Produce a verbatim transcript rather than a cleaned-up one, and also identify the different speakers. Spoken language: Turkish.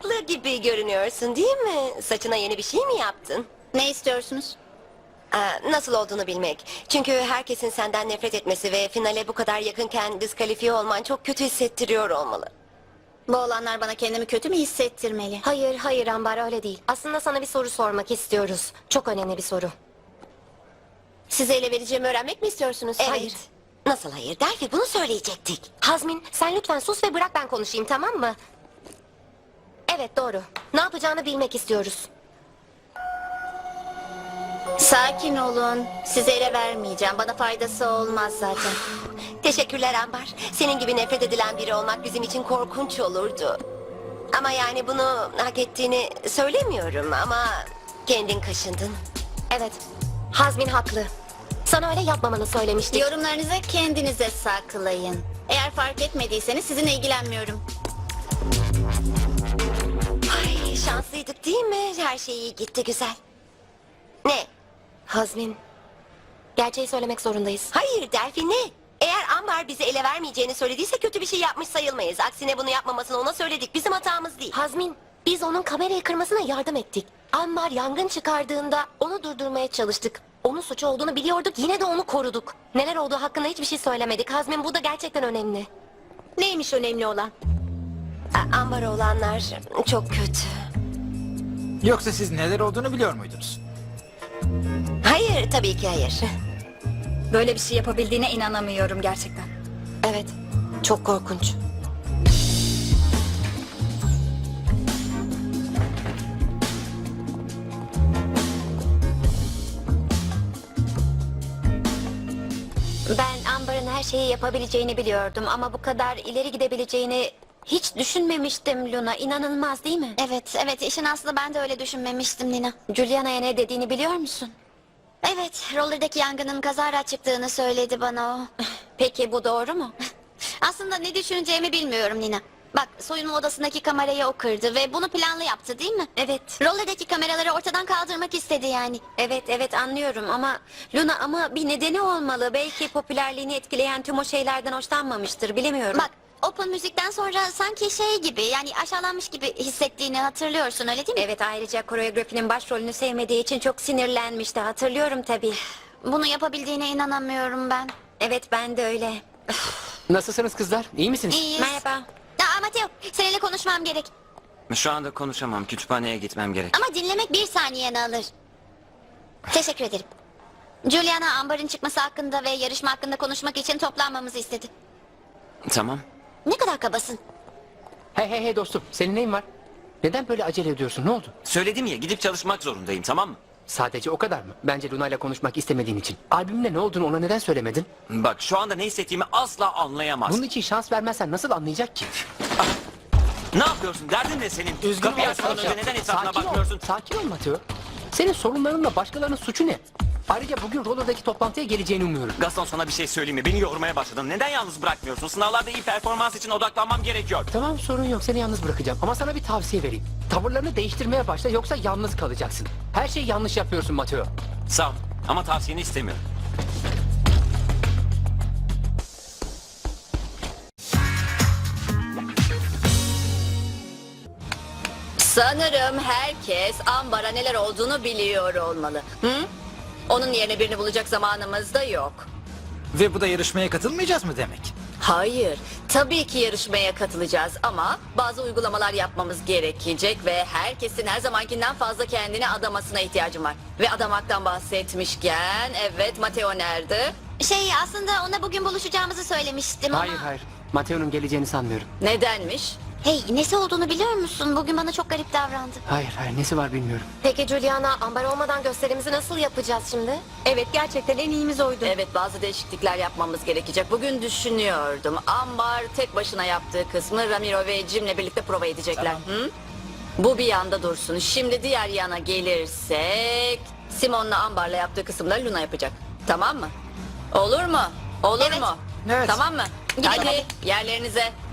Speaker 1: haklı gibi görünüyorsun değil mi? Saçına yeni bir şey mi yaptın?
Speaker 2: Ne istiyorsunuz?
Speaker 1: Aa, nasıl olduğunu bilmek. Çünkü herkesin senden nefret etmesi ve finale bu kadar yakınken diskalifiye olman çok kötü hissettiriyor olmalı.
Speaker 2: Bu olanlar bana kendimi kötü mü hissettirmeli?
Speaker 3: Hayır, hayır Ambar öyle değil. Aslında sana bir soru sormak istiyoruz. Çok önemli bir soru.
Speaker 2: Size ele vereceğimi öğrenmek mi istiyorsunuz?
Speaker 1: Evet.
Speaker 3: Hayır.
Speaker 1: Nasıl hayır? Delphi bunu söyleyecektik.
Speaker 3: Hazmin, sen lütfen sus ve bırak ben konuşayım, tamam mı? Evet, doğru. Ne yapacağını bilmek istiyoruz.
Speaker 2: Sakin olun. Size ele vermeyeceğim. Bana faydası olmaz zaten.
Speaker 1: Teşekkürler Ambar. Senin gibi nefret edilen biri olmak bizim için korkunç olurdu. Ama yani bunu hak ettiğini söylemiyorum ama kendin kaşındın.
Speaker 3: Evet, Hazmin haklı. Sana öyle yapmamanı söylemiştik.
Speaker 2: Yorumlarınızı kendinize saklayın. Eğer fark etmediyseniz sizinle ilgilenmiyorum.
Speaker 1: Ay şanslıydık değil mi? Her şey iyi gitti güzel. Ne?
Speaker 3: Hazmin, gerçeği söylemek zorundayız.
Speaker 1: Hayır Delphi ne? Eğer Ambar bize ele vermeyeceğini söylediyse kötü bir şey yapmış sayılmayız. Aksine bunu yapmamasını ona söyledik. Bizim hatamız değil.
Speaker 3: Hazmin, biz onun kamerayı kırmasına yardım ettik. Ambar yangın çıkardığında onu durdurmaya çalıştık. Onun suçu olduğunu biliyorduk, yine de onu koruduk. Neler olduğu hakkında hiçbir şey söylemedik. Hazmin, bu da gerçekten önemli.
Speaker 2: Neymiş önemli olan?
Speaker 1: A- Ambar olanlar çok kötü.
Speaker 4: Yoksa siz neler olduğunu biliyor muydunuz?
Speaker 1: Hayır tabii ki hayır.
Speaker 5: Böyle bir şey yapabildiğine inanamıyorum gerçekten.
Speaker 3: Evet, çok korkunç. Ben Amber'ın her şeyi yapabileceğini biliyordum ama bu kadar ileri gidebileceğini hiç düşünmemiştim Luna. İnanılmaz değil mi?
Speaker 2: Evet, evet. İşin aslı ben de öyle düşünmemiştim Nina.
Speaker 3: Juliana'ya ne dediğini biliyor musun?
Speaker 2: Evet, rollerdaki yangının kazara çıktığını söyledi bana o.
Speaker 3: Peki bu doğru mu?
Speaker 2: Aslında ne düşüneceğimi bilmiyorum Nina. Bak, soyunma odasındaki kamerayı o kırdı ve bunu planlı yaptı değil mi?
Speaker 3: Evet.
Speaker 2: Rollerdaki kameraları ortadan kaldırmak istedi yani.
Speaker 3: Evet evet anlıyorum ama Luna ama bir nedeni olmalı. Belki popülerliğini etkileyen tüm o şeylerden hoşlanmamıştır bilemiyorum.
Speaker 2: Bak, Open müzikten sonra sanki şey gibi, yani aşağılanmış gibi hissettiğini hatırlıyorsun, öyle değil mi?
Speaker 3: Evet, ayrıca koreografinin başrolünü sevmediği için çok sinirlenmişti, hatırlıyorum tabii.
Speaker 2: Bunu yapabildiğine inanamıyorum ben.
Speaker 3: Evet, ben de öyle.
Speaker 6: Nasılsınız kızlar? İyi misiniz?
Speaker 2: İyiyiz.
Speaker 3: Merhaba.
Speaker 2: Aa, Mateo, seninle konuşmam gerek.
Speaker 7: Şu anda konuşamam. Kütüphaneye gitmem gerek.
Speaker 2: Ama dinlemek bir saniyeni alır. Teşekkür ederim. Juliana, Amber'ın çıkması hakkında ve yarışma hakkında konuşmak için toplanmamızı istedi.
Speaker 7: Tamam.
Speaker 2: Ne kadar kabasın.
Speaker 6: Hey hey hey dostum, senin neyin var? Neden böyle acele ediyorsun? Ne oldu?
Speaker 7: Söyledim ya, gidip çalışmak zorundayım, tamam mı?
Speaker 6: Sadece o kadar mı? Bence Luna ile konuşmak istemediğin için. Albümle ne olduğunu ona neden söylemedin?
Speaker 7: Bak, şu anda ne hissettiğimi asla anlayamaz.
Speaker 6: Bunun için şans vermezsen nasıl anlayacak ki?
Speaker 7: Ne yapıyorsun? Derdin ne senin? Kapıyı açmadan önce neden etrafına
Speaker 6: Sakin
Speaker 7: bakmıyorsun?
Speaker 6: ol, sakin ol Mateo. Senin sorunlarınla başkalarının suçu ne? Ayrıca bugün Roller'daki toplantıya geleceğini umuyorum.
Speaker 7: Gaston, sana bir şey söyleyeyim mi? Beni yormaya başladın. Neden yalnız bırakmıyorsun? Sınavlarda iyi performans için odaklanmam gerekiyor.
Speaker 6: Tamam, sorun yok, seni yalnız bırakacağım. Ama sana bir tavsiye vereyim. Tavırlarını değiştirmeye başla, yoksa yalnız kalacaksın. Her şeyi yanlış yapıyorsun Mateo.
Speaker 7: Sağ ol. Ama tavsiyeni istemiyorum.
Speaker 8: Sanırım herkes Ambar'a neler olduğunu biliyor olmalı. Hı? Onun yerine birini bulacak zamanımız da yok.
Speaker 4: Ve bu da yarışmaya katılmayacağız mı demek?
Speaker 8: Hayır, tabii ki yarışmaya katılacağız ama bazı uygulamalar yapmamız gerekecek ve herkesin her zamankinden fazla kendini adamasına ihtiyacım var. Ve adamaktan bahsetmişken, evet, Mateo nerede?
Speaker 2: Şey, aslında ona bugün buluşacağımızı söylemiştim ama...
Speaker 6: Hayır hayır, Mateo'nun geleceğini sanmıyorum.
Speaker 8: Nedenmiş?
Speaker 2: Hey, nesi olduğunu biliyor musun? Bugün bana çok garip davrandı.
Speaker 6: Hayır hayır, nesi var bilmiyorum.
Speaker 3: Peki Juliana, Amber olmadan gösterimizi nasıl yapacağız şimdi?
Speaker 5: Evet, gerçekten en iyimiz oydu.
Speaker 8: Evet, bazı değişiklikler yapmamız gerekecek. Bugün düşünüyordum. Ambar tek başına yaptığı kısmı Ramiro ve Jim'le birlikte prova edecekler. Hı? Bu bir yanda dursun. Şimdi diğer yana gelirsek... Simon'la Ambar'la yaptığı kısımları Luna yapacak. Tamam mı? Olur mu? Olur
Speaker 2: Evet.
Speaker 8: mu?
Speaker 4: Evet.
Speaker 8: Tamam mı?
Speaker 2: Gidelim
Speaker 8: Hadi
Speaker 2: hadi.
Speaker 8: yerlerinize.